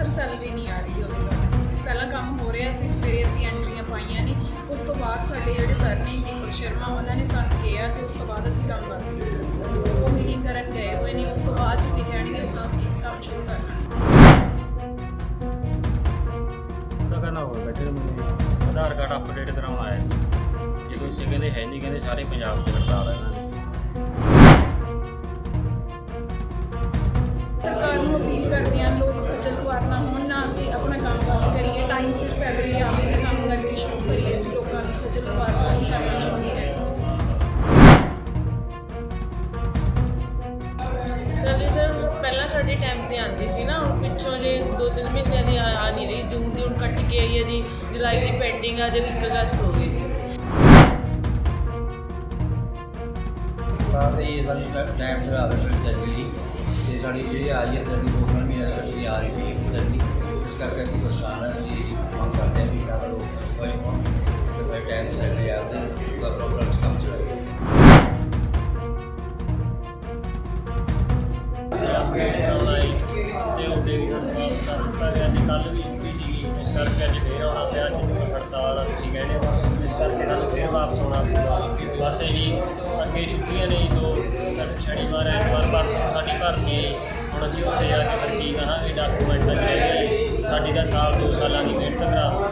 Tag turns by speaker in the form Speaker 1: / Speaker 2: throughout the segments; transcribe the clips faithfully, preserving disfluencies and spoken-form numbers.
Speaker 1: Sir salary नहीं आ रही ਉਹਦੇ ਨਾਲ ਪਹਿਲਾਂ ਕੰਮ ਹੋ ਰਿਹਾ ਸੀ ਸਵੇਰੇ ਅਸੀਂ ਐਂਟਰੀਆਂ ਪਾਈਆਂ ਨੇ ਉਸ ਤੋਂ ਬਾਅਦ ਸਾਡੇ ਜਿਹੜੇ ਸਰ ਨੇ ਦੀਪਕ ਸ਼ਰਮਾ ਉਹਨਾਂ ਨੇ ਸਾਨੂੰ ਕਿਹਾ ਤੇ ਉਸ ਤੋਂ ਬਾਅਦ ਅਸੀਂ ਕੰਮ ਬੰਦ ਕੀਤਾ ਉਹ ਮੀਟਿੰਗ ਕਰਨ ਗਏ ਹੋਏ ਨੇ ਉਸ ਤੋਂ ਬਾਅਦ ਜੇ ਕਹਿਣਗੇ ਉਦੋਂ ਅਸੀਂ ਕੰਮ ਸ਼ੁਰੂ ਕਰਨਾ
Speaker 2: ਤਾਂ ਕਰਨਾ ਹੋਵੇ ਬੈਠੇ ਨੂੰ ਮੈਨੂੰ ਆਧਾਰ ਕਾਰਡ ਅਪਡੇਟ ਕਰਾਉਣ ਆਇਆ ਜੇ ਕੋਈ ਸੀ ਕਹਿੰਦੇ ਹੈ ਨਹੀਂ ਕਹਿੰਦੇ ਸਾਰੇ ਪੰਜਾਬ 'ਚ ਹੜਤਾਲ ਹੈ ਇਹਨਾਂ ਦੀ
Speaker 1: ਸਰਕਾਰ ਨੂੰ ਅਪੀਲ ਕਰਦੇ ਹਾਂ ਲੋਕ ਖੱਜਲ ਖੁਆਰ ਨਾ ਹੋਣ ਨਾ ਅਸੀਂ ਆਪਣਾ ਕੰਮ ਕੰਮ ਕਰੀਏ ਟਾਈਮ ਸਿਰ ਸੈਲਰੀ ਆਵੇ ਤੇ ਕੰਮ ਕਰਕੇ ਸ਼ੁਰੂ ਕਰੀਏ ਅਸੀਂ ਲੋਕਾਂ ਨੂੰ ਖੱਜਲ ਖੁਆਰ ਨਹੀਂ ਕਰਨਾ ਚਾਹੁੰਦੇ ਹਾਂ
Speaker 3: ਸਰ ਸਰ ਪਹਿਲਾਂ ਸਾਡੇ ਟਾਈਮ ਤੇ ਆਉਂਦੀ ਸੀ ਨਾ ਹੁਣ ਪਿੱਛੋਂ ਜੇ ਦੋ ਤਿੰਨ ਮਹੀਨਿਆਂ ਦੀ ਆ ਨਹੀਂ ਰਹੀ ਜੂਨ ਦੀ ਹੁਣ ਕੱਟ ਕੇ ਆਈ ਹੈ ਜੀ ਜੁਲਾਈ ਦੀ ਪੈਂਡਿੰਗ ਆ ਜੇ ਇੱਕ ਅਗਸਤ ਹੋ ਗਈ ਜੀ
Speaker 4: ਤਾਂ ਇਹ ਸਾਡੀ ਟਾਈਮ ਸਿਰ ਆਵੇ ਫਿਰ ਸੈਲਰੀ ਅਤੇ ਸਾਡੀ ਜਿਹੜੀ ਆ ਰਹੀ ਹੈ ਸਾਡੀ ਦੋ ਤਿੰਨ ਮਹੀਨੇ ਸੈਲਰੀ ਆ ਰਹੀ ਹੈ ਸੈਲਰੀ ਇਸ ਕਰਕੇ ਅਸੀਂ ਪਰੇਸ਼ਾਨ ਹਾਂ ਜੀ ਮੰਗ ਕਰਦੇ ਹਾਂ ਵੀ ਜ਼ਿਆਦਾ ਲੋਕ ਕੋਈ ਹੋਣ ਅਤੇ ਸਾਡੇ ਟਾਈਮ ਸੈਲਰੀ ਆਵੇ ਉਹਦਾ ਪ੍ਰੋਪਰ ਕੰਮ ਚਲਾਈਏ
Speaker 2: ਤੇ ਉਹਦੇ ਵੀ ਵਾਪਸ ਕਰ ਦਿੱਤਾ ਗਿਆ ਤੇ ਕੱਲ੍ਹ ਵੀ ਛੁੱਟੀ ਸੀਗੀ ਇਸ ਕਰਕੇ ਅੱਜ ਫੇਰ ਆਉਣਾ ਪਿਆ ਅੱਜ ਦੀ ਹੜਤਾਲ ਤੁਸੀਂ ਕਹਿੰਦੇ ਹੋ ਇਸ ਕਰਕੇ ਸਾਨੂੰ ਫੇਰ ਵਾਪਸ ਆਉਣਾ ਪਿਆ ਬਸ ਇਹੀ ਅੱਗੇ ਛੁੱਟੀਆਂ ਨੇ ਦੋ ਸ਼ਨੀਵਾਰ ਐਤਵਾਰ ਪਰਸੋਂ ਸਾਡੀ ਭਰਤੀ ਹੁਣ ਅਸੀਂ ਉੱਥੇ ਜਾ ਕੇ ਫਿਰ ਕੀ ਕਹਾਂਗੇ ਡਾਕੂਮੈਂਟਾਂ ਚਾਹੀਦੇ ਸਾਡੀ ਤਾਂ ਸਾਲ ਦੋ ਸਾਲਾਂ ਦੀ ਮਿਹਨਤ ਕਰਾ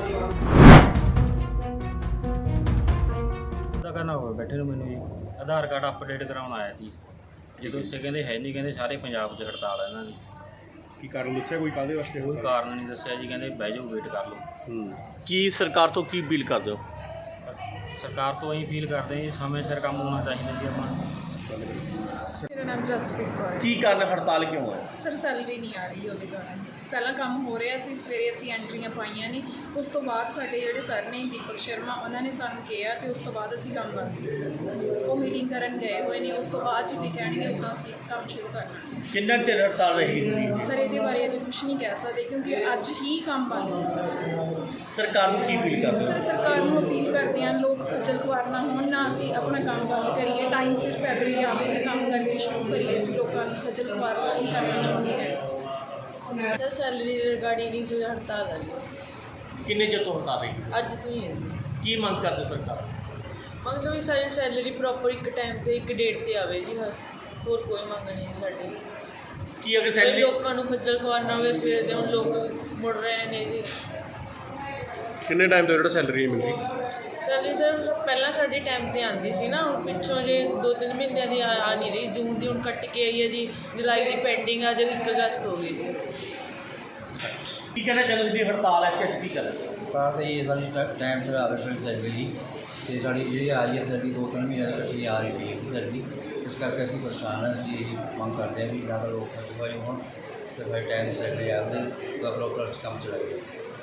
Speaker 2: ਤਾਂ ਕਰਨਾ ਹੋਵੇ ਬੈਠੇ ਨੂੰ ਮੈਨੂੰ ਜੀ ਆਧਾਰ ਕਾਰਡ ਅਪਡੇਟ ਕਰਾਉਣ ਆਇਆ ਸੀ ਜਦੋਂ ਇੱਥੇ ਕਹਿੰਦੇ ਹੈ ਨਹੀਂ ਕਹਿੰਦੇ ਸਾਰੇ ਪੰਜਾਬ 'ਚ ਹੜਤਾਲ ਹੈ ਇਹਨਾਂ ਦੀ
Speaker 5: ਕੀ ਕਾਰਨ ਦੱਸਿਆ ਕੋਈ ਕਾਹਦੇ ਵਾਸਤੇ
Speaker 2: ਕੋਈ ਕਾਰਨ ਨਹੀਂ ਦੱਸਿਆ ਜੀ ਕਹਿੰਦੇ ਬਹਿ ਜਾਓ ਵੇਟ ਕਰ ਲਓ
Speaker 5: ਹੂੰ ਕੀ ਸਰਕਾਰ ਤੋਂ ਕੀ ਅਪੀਲ ਕਰਦੇ ਹੋ
Speaker 2: ਸਰਕਾਰ ਤੋਂ ਅਸੀਂ ਫੀਲ ਕਰਦੇ ਹਾਂ ਜੀ ਸਮੇਂ ਸਿਰ ਕੰਮ ਹੋਣਾ ਚਾਹੀਦਾ ਜੀ ਆਪਾਂ
Speaker 1: ਮੇਰਾ ਨਾਮ ਜਸਪ੍ਰੀਤ ਕੌਰ ਹੈ
Speaker 5: ਕੀ ਕਾਰਨ ਹੜਤਾਲ ਕਿਉਂ ਹੈ
Speaker 1: ਸਰ ਸੈਲਰੀ ਨਹੀਂ ਆ ਰਹੀ ਉਹਦੇ ਕਾਰਨ ਪਹਿਲਾਂ ਕੰਮ ਹੋ ਰਿਹਾ ਸੀ ਸਵੇਰੇ ਅਸੀਂ ਐਂਟਰੀਆਂ ਪਾਈਆਂ ਨੇ ਉਸ ਤੋਂ ਬਾਅਦ ਸਾਡੇ ਜਿਹੜੇ ਸਰ ਨੇ ਦੀਪਕ ਸ਼ਰਮਾ ਉਹਨਾਂ ਨੇ ਸਾਨੂੰ ਕਿਹਾ ਤੇ ਉਸ ਤੋਂ ਬਾਅਦ ਅਸੀਂ ਕੰਮ ਬੰਦ ਕੀਤਾ ਉਹ ਮੀਟਿੰਗ ਕਰਨ ਗਏ ਹੋਏ ਨੇ ਉਸ ਤੋਂ ਬਾਅਦ ਜੇ ਕਹਿਣਗੇ ਉਦੋਂ ਅਸੀਂ ਕੰਮ ਸ਼ੁਰੂ ਕਰਨਾ
Speaker 5: ਕਿੰਨਾ ਚਿਰ ਹੜਤਾਲ ਰਹੇਗੀ
Speaker 1: ਸਰ ਇਹਦੇ ਬਾਰੇ ਅੱਜ ਕੁਝ ਨਹੀਂ ਕਹਿ ਸਕਦੇ ਕਿਉਂਕਿ ਅੱਜ ਹੀ ਕੰਮ ਬੰਦ ਕੀਤਾ
Speaker 5: ਸਰਕਾਰ ਨੂੰ ਕੀ ਅਪੀਲ ਕਰਦੇ ਹੋ
Speaker 1: ਸਰ ਸਰਕਾਰ ਨੂੰ ਅਪੀਲ ਕਰਦੇ ਹਾਂ ਲੋਕ ਖੱਜਲ ਖੁਆਰ ਨਾ ਹੋਣ ਨਾ ਅਸੀਂ ਆਪਣਾ ਕੰਮ ਬੰਦ ਕਰੀਏ ਟਾਈਮ ਸਿਰ ਸੈਲਰੀ ਆਵੇ ਤੇ ਕੰਮ ਕਰਕੇ ਸ਼ੁਰੂ ਕਰੀਏ ਅਸੀਂ ਲੋਕਾਂ ਨੂੰ ਖੱਜਲ ਖੁਆਰ ਨਹੀਂ ਕਰਨਾ ਚਾਹੁੰਦੇ ਹਾਂ
Speaker 3: ਸਰ ਸੈਲਰੀ ਰਿਗਾਰਡਿੰਗ ਇਸ ਹੜਤਾਲ ਹੈ
Speaker 5: ਕਿੰਨੇ ਚਿਰ ਤੋਂ ਹੜਤਾਲ ਰਹੇਗੀ
Speaker 3: ਅੱਜ ਤੋਂ ਹੀ ਹੈ ਜੀ
Speaker 5: ਕੀ ਮੰਗ ਕਰਦੇ ਹੋ ਸਰਕਾਰ
Speaker 3: ਮੰਗ ਵੀ ਸਾਡੀ ਸੈਲਰੀ ਪ੍ਰੋਪਰ ਇੱਕ ਟਾਈਮ ਤੇ ਇੱਕ ਡੇਟ ਤੇ ਆਵੇ ਜੀ ਬਸ ਹੋਰ ਕੋਈ ਮੰਗ ਨਹੀਂ ਸਾਡੀ
Speaker 5: ਕੀ ਅਗਰ
Speaker 3: ਸਰ
Speaker 5: ਸੈਲਰੀ
Speaker 3: ਲੋਕਾਂ ਨੂੰ ਖੱਜਲ ਖੁਆਰ ਨਾ ਹੋਵੇ ਸਵੇਰ ਦੇ ਹੁਣ ਲੋਕ ਮੁੜ ਰਹੇ ਨੇ ਜੀ
Speaker 5: ਕਿੰਨੇ ਟਾਈਮ ਤੋਂ ਜਿਹੜਾ ਸੈਲਰੀ ਮਿਲ ਰਹੀ
Speaker 3: ਸੈਲਰੀ ਸਰ ਪਹਿਲਾਂ ਸਾਡੇ ਟਾਈਮ ਤੇ ਆਉਂਦੀ ਸੀ ਨਾ ਹੁਣ ਪਿੱਛੋਂ ਜੇ ਦੋ ਤਿੰਨ ਮਹੀਨਿਆਂ ਦੀ ਆ ਆ ਨਹੀਂ ਰਹੀ ਜੂਨ ਦੀ ਹੁਣ ਕੱਟ ਕੇ ਆਈ ਹੈ ਜੀ ਜੁਲਾਈ ਦੀ ਪੈਂਡਿੰਗ ਆ ਜੇ ਇੱਕ ਅਗਸਤ ਹੋ ਗਈ ਜੀ
Speaker 5: ਕੀ ਕਹਿਣਾ ਚਾਹੁੰਦੇ ਤੁਸੀਂ ਹੜਤਾਲ ਹੈ ਕਿ ਕੀ ਕਰ
Speaker 4: ਤਾਂ ਇਹ ਸਾਡੀ ਟਾਈਮ ਸਿਰ ਆਵੇ ਫਿਰ ਸੈਲਰੀ ਅਤੇ ਸਾਡੀ ਜਿਹੜੀ ਆ ਰਹੀ ਹੈ ਸਾਡੀ ਦੋ ਤਿੰਨ ਮਹੀਨੇ ਸੈਲਰੀ ਆ ਰਹੀ ਹੈ ਸੈਲਰੀ ਇਸ ਕਰਕੇ ਅਸੀਂ ਪਰੇਸ਼ਾਨ ਹਾਂ ਜੀ ਮੰਗ ਕਰਦੇ ਹਾਂ ਵੀ ਜ਼ਿਆਦਾ ਲੋਕ ਕੋਈ ਹੋਣ ਅਤੇ ਸਾਡੇ ਟਾਈਮ ਸੈਲਰੀ ਆਵੇ ਉਹਦਾ ਪ੍ਰੋਪਰ ਕੰਮ ਚਲਾਈਏ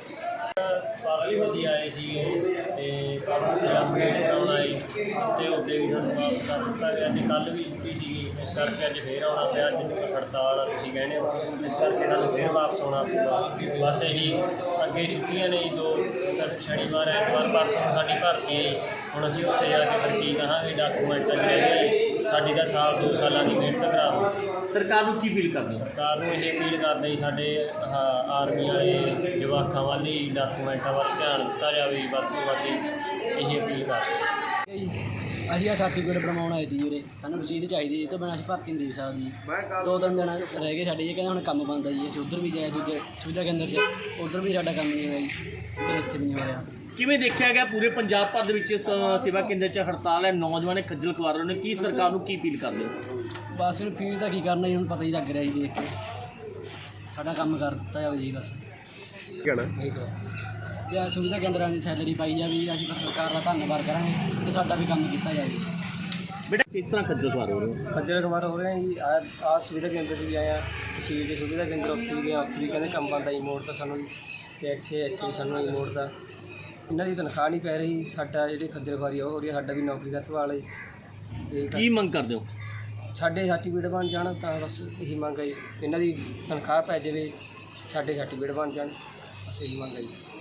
Speaker 2: ਪਰਸੋਂ ਅਸੀਂ ਆਏ ਸੀ ਤੇ ਪਰਸੋਂ ਅਸੀਂ ਅਪਡੇਟ ਕਰਾਉਣ ਆਏ ਤੇ ਉਹਦੇ ਵੀ ਸਾਨੂੰ ਵਾਪਸ ਕਰ ਦਿੱਤਾ ਗਿਆ ਤੇ ਕੱਲ੍ਹ ਵੀ ਛੁੱਟੀ ਸੀਗੀ ਇਸ ਕਰਕੇ ਅੱਜ ਫੇਰ ਆਉਣਾ ਪਿਆ ਅੱਜ ਦੀ ਹੜਤਾਲ ਆ ਤੁਸੀਂ ਕਹਿੰਦੇ ਹੋ ਇਸ ਕਰਕੇ ਸਾਨੂੰ ਫੇਰ ਵਾਪਸ ਆਉਣਾ ਪਿਆ ਬਸ ਇਹੀ ਅੱਗੇ ਛੁੱਟੀਆਂ ਨੇ ਦੋ ਸ਼ਨੀਵਾਰ ਐਤਵਾਰ ਪਰਸੋਂ ਸਾਡੀ ਭਰਤੀ ਹੁਣ ਅਸੀਂ ਉੱਥੇ ਜਾ ਕੇ ਫਿਰ ਕੀ ਕਹਾਂਗੇ ਡਾਕੂਮੈਂਟਾਂ ਚਾਹੀਦੇ ਸਾਡੀ ਤਾਂ ਸਾਲ ਦੋ ਸਾਲਾਂ ਦੀ ਮਿਹਨਤ ਕਰਾ
Speaker 5: ਸਰਕਾਰ ਨੂੰ ਕੀ ਅਪੀਲ ਕਰਦੇ ਹੋ
Speaker 2: ਸਰਕਾਰ ਨੂੰ ਇਹ ਅਪੀਲ ਕਰਦੇ ਜੀ ਸਾਡੇ ਆਹ ਆਰਮੀ ਵਾਲੇ ਜਵਾਕਾਂ ਵੱਲ ਹੀ ਡਾਕੂਮੈਂਟਾਂ ਵੱਲ ਧਿਆਨ ਦਿੱਤਾ ਜਾਵੇ ਵੱਧ ਤੋਂ ਵੱਧ ਇਹ ਅਪੀਲ ਕਰਦੇ
Speaker 6: ਅਸੀਂ ਆ ਸਰਟੀਫਿਕੇਟ ਬਣਵਾਉਣ ਆਏ ਸੀ ਵੀਰੇ ਸਾਨੂੰ ਰਸੀਦ ਚਾਹੀਦੀ ਇਹ ਤੋਂ ਬਿਨਾਂ ਅਸੀਂ ਭਰਤੀ ਨਹੀਂ ਦੇ ਸਕਦੇ ਦੋ ਤਿੰਨ ਦਿਨ ਰਹਿ ਗਏ ਸਾਡੇ ਇਹ ਕਹਿੰਦੇ ਹੁਣ ਕੰਮ ਬੰਦ ਆ ਜੀ ਅਸੀਂ ਉੱਧਰ ਵੀ ਜਾਏ ਦੂਜੇ ਸੁਵਿਧਾ ਕੇਂਦਰ 'ਚ ਉੱਧਰ ਵੀ ਸਾਡਾ ਕੰਮ ਨਹੀਂ ਹੋਇਆ ਜੀ ਤੇ ਇੱਥੇ ਵੀ ਨਹੀਂ ਹੋਇਆ
Speaker 5: ਕਿਵੇਂ ਦੇਖਿਆ ਗਿਆ ਪੂਰੇ ਪੰਜਾਬ ਭਰ ਦੇ ਵਿੱਚ ਸ- ਸੇਵਾ ਕੇਂਦਰ 'ਚ ਹੜਤਾਲ ਹੈ ਨੌਜਵਾਨ ਖੱਜਲ ਖੁਆਰ ਰਹੇ ਨੇ ਕੀ ਸਰਕਾਰ ਨੂੰ ਕੀ ਅਪੀਲ ਕਰਦੇ ਹੋ
Speaker 6: ਬਸ ਹੁਣ ਫੀਲ ਤਾਂ ਕੀ ਕਰਨਾ ਜੀ ਹੁਣ ਪਤਾ ਹੀ ਲੱਗ ਰਿਹਾ ਜੀ ਦੇਖ ਕੇ ਸਾਡਾ ਕੰਮ ਕਰ ਦਿੱਤਾ ਜਾਵੇ ਜੀ ਬਸ
Speaker 5: ਕਹਿਣਾ
Speaker 6: ਜੇ ਆਹ ਸੁਵਿਧਾ ਕੇਂਦਰਾਂ ਦੀ ਸੈਲਰੀ ਪਾਈ ਜਾਵੇ ਜੀ ਅਸੀਂ ਸਰਕਾਰ ਦਾ ਧੰਨਵਾਦ ਕਰਾਂਗੇ ਤੇ ਸਾਡਾ ਵੀ ਕੰਮ ਕੀਤਾ ਜਾਵੇ
Speaker 5: ਬੇਟਾ ਕਿਸ ਤਰ੍ਹਾਂ ਖੱਜਲ ਖੁਆਰ ਹੋ ਰਹੇ ਹੋ
Speaker 6: ਖੱਜਲ ਖੁਆਰ ਹੋ ਰਹੇ ਜੀ ਆ ਆ ਸੁਵਿਧਾ ਕੇਂਦਰ 'ਚ ਵੀ ਆਇਆ ਤਹਿਸੀਲ 'ਚ ਸੁਵਿਧਾ ਕੇਂਦਰ ਉੱਥੇ ਵੀ ਗਿਆ ਉੱਥੇ ਵੀ ਕਹਿੰਦੇ ਕੰਮ ਬੰਦ ਆ ਜੀ ਮੋੜ ਤਾਂ ਸਾਨੂੰ ਜੀ ਅਤੇ ਇੱਥੇ ਇੱਥੇ ਵੀ ਸਾਨੂੰ ਜੀ ਮੋੜ ਦਾ ਇਹਨਾਂ ਦੀ ਤਨਖਾਹ ਨਹੀਂ ਪੈ ਰਹੀ ਸਾਡਾ ਜਿਹੜੀ ਖੱਜਲ ਖੁਆਰੀ ਉਹ ਹੋ ਰਹੀ ਹੈ ਸਾਡਾ ਵੀ ਨੌਕਰੀ ਦਾ ਸਵਾਲ ਹੈ ਇਹ
Speaker 5: ਕੀ ਮੰਗ ਕਰਦੇ ਹੋ
Speaker 6: ਸਾਡੇ ਸਰਟੀਫਿਕੇਟ ਬਣ ਜਾਣ ਤਾਂ ਬਸ ਇਹੀ ਮੰਗ ਹੈ ਜੀ। ਇਹਨਾਂ ਦੀ ਤਨਖਾਹ ਪੈ ਜਾਵੇ ਸਾਡੇ ਸਰਟੀਫਿਕੇਟ ਬਣ ਜਾਣ ਬਸ ਇਹੀ ਮੰਗ ਹੈ ਜੀ